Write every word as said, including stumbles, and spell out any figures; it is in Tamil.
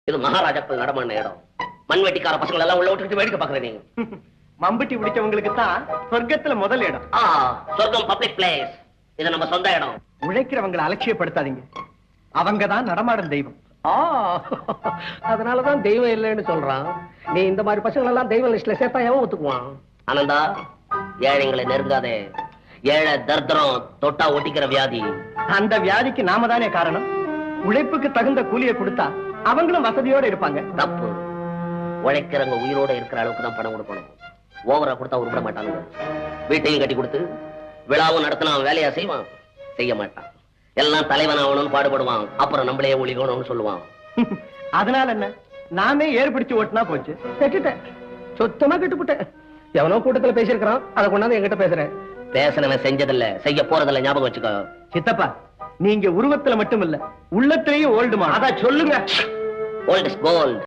இது மகாராஜாக்கள் நடமான இடம். மண்வெட்டிக்கார பசங்களை எல்லாம் உள்ள விட்டுட்டு வேடிக்கை பாக்குறேன். நீங்க மம்பட்டி பிடிச்சவங்களுக்கு தான் சொர்க்கத்துல முதல் இடம். ஆ, சொர்க்கம் பப்ளிக் பிளேஸ். இது நம்ம சொந்த இடம். உழைக்கிறவங்களை அலட்சியப்படுத்தாதீங்க. அவங்க தான் நடமாடும் தெய்வம். அதனாலதான் தெய்வம் இல்லைன்னு சொல்றான். நீ இந்த மாதிரி பசங்களை எல்லாம் தெய்வ லிஸ்ட்ல சேர்த்தா எவன் ஒத்துக்குவான்? ஆனந்தா, ஏழைங்களை நெருங்காதே. ஏழை தர்தரம் தொட்டா ஒட்டிக்கிற வியாதி. அந்த வியாதிக்கு நாம தானே காரணம். உழைப்புக்கு தகுந்த கூலியை கொடுத்தா அவங்களும் வசதியோட இருப்பாங்க. தப்பு. உழைக்கிறவங்க உயிரோட இருக்கிற அளவுக்கு தான் பணம் கொடுக்கணும். ஓவரா கொடுத்தா உருப்பட மாட்டாங்க. வீட்டையும் கட்டி கொடுத்து விழாவும் நடத்தினா வேலையா செய்வான்? செய்ய மாட்டான். எல்லாம் தலைவன் ஆகணும்னு பாடுபடுவான். அப்புறம் நம்மளே ஒளிகணும்னு சொல்லுவான். அதனால என்ன, நாமே ஏற்படுத்தி ஓட்டுனா போச்சு. கெட்டுட்டேன், சுத்தமா கெட்டுப்புட்டேன். எவனோ கூட்டத்துல பேசியிருக்கிறான், அதை கொண்டாந்து என்கிட்ட பேசுறேன். பேசனவன் செஞ்சதில்ல, செய்ய போறதில்ல. ஞாபகம் வச்சுக்கோ. சித்தப்பா, நீங்க உருவத்துல மட்டும் இல்ல, உள்ளத்திலேயே ஓல்டுமா. அதான் சொல்லுங்க. Old is gold.